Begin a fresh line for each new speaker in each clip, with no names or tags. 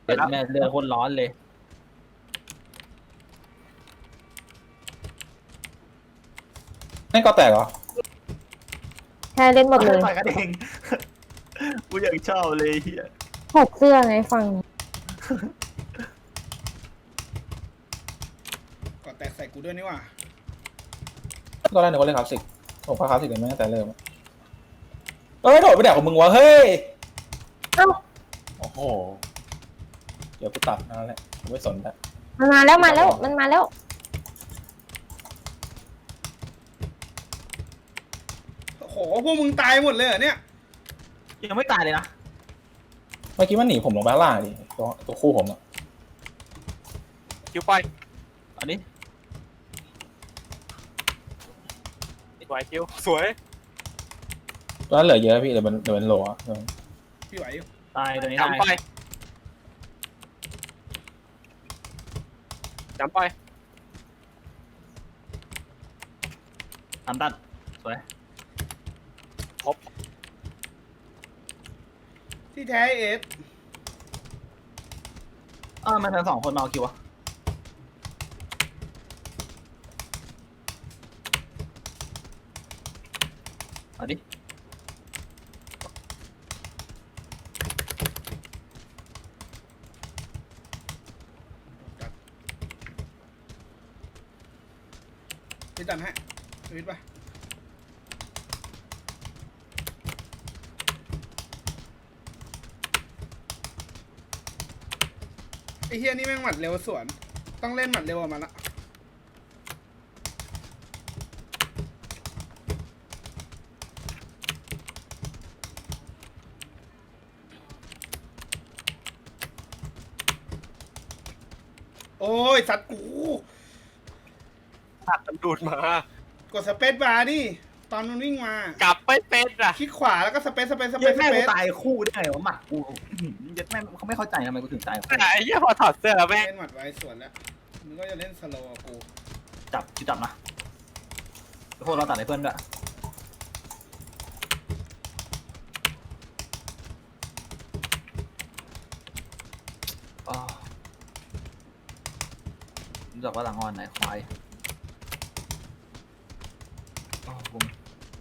เด็ดแม่เรือคนร้อนเลย
ไม่ก็แตกเหรอ
แค่เล่นหมดเลย
ต่อยกันเองกูอยากชอบเลยเฮีย
ถกเสื้อไงฟัง
ก่อนแตกใส่กูด้วยนี่หว่า
ก็ได้หนูก็เล่นคลาสสิกผมก็คลาสสิกกันมาตั้งแต่เริ่มเอ้ยโดดไปแดกของมึงวะเฮ้ย
เอ้า
โอ้โหเดี๋ยวกูตัดนั่นแหละกูไม่สนแล้ว
มันมาแล้วมันมาแล้ว
โอ้โหพวกมึงตายหมดเลยเหรอเนี่ย
ยังไม่ตายเลยนะ
เมื่อกี้มันหนีผมลงไปข้างล่างดิตัวคู่ผมอะ
คิวไป
อันนี้
สวยคิวสวย
ตัวนั้นเหลือเยอะพี่เดี๋ยวมันโหลอะ
พี่ไหวอยู่
ตายตัวนี้
จำไป
ตาย
จำไป
ทำตัดสวย
ครบ
ที่แท้เอฟ
มันทั้งสองคนมาเอาคิวอะเอาดิ
พี่ตันให้ชีวิตปะไอ้เฮียนี่แม่งหมัดเร็วสวน ต้องเล่นหมัดเร็วกว่ามันละโอ้ย สัตว์กู
ตัดมันดูดมา
กดสเปซบาร์ดิตอนมันวิ่งมา
กลับไม่เป็นอ่ะ
คลิกขวาแล้วก็สเปซสเปซสเป
เย็
ซ
ด
ส
แม่
เป
กู
ซ
ตายคู่ได้ไงวะหมัดกูเย็ดแม่เขาไม่เข้าใจทำไมกูถึงตาย
ไอ้เหี้ยพอถอดเสื้อแล้วแม่ง
เล่นหมัดไว้สวนแล้วมึงก็จะเล่นสโลว์กับกู
จับนะพวกเราตัดให้เพื่อนด้วยรู้จักว่าหลังอ่อนไหนควายบุ้ม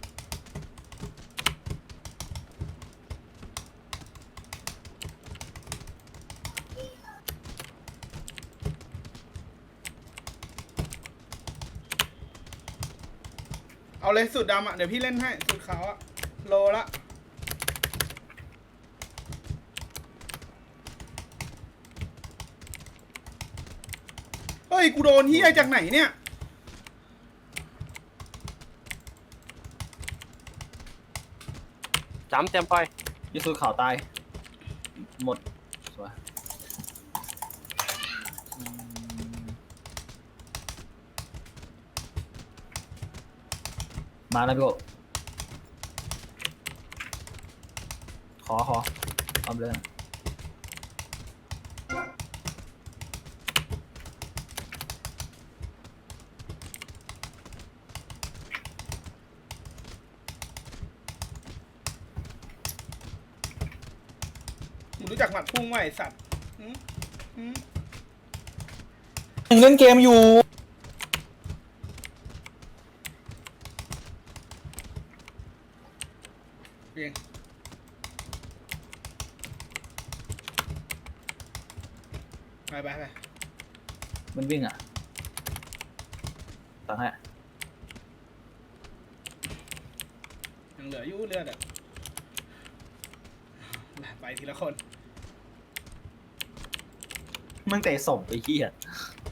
เอาเลยสูตรดำอ่ะ เดี๋ยวพี่เล่นให้ สูตรขาวอ่ะ โลละ เฮ้ย กูโดนเฮียจากไหนเนี่ย
จำไป
ยิสูข่าวตาย หมดสวยมาแล้วพี่โกขอเอาเลย
มึงรู้จักหมัดพุ่งไหมไอ้สัตว์หืมหืม
ยังเล่นเกมอยู่
เพียงไป
มันวิ่งอ่ะตังให้
ยังเหลืออยู่เลือดอ่ะไปทีละคน
มึงเตะศพไปขี้อ่ะ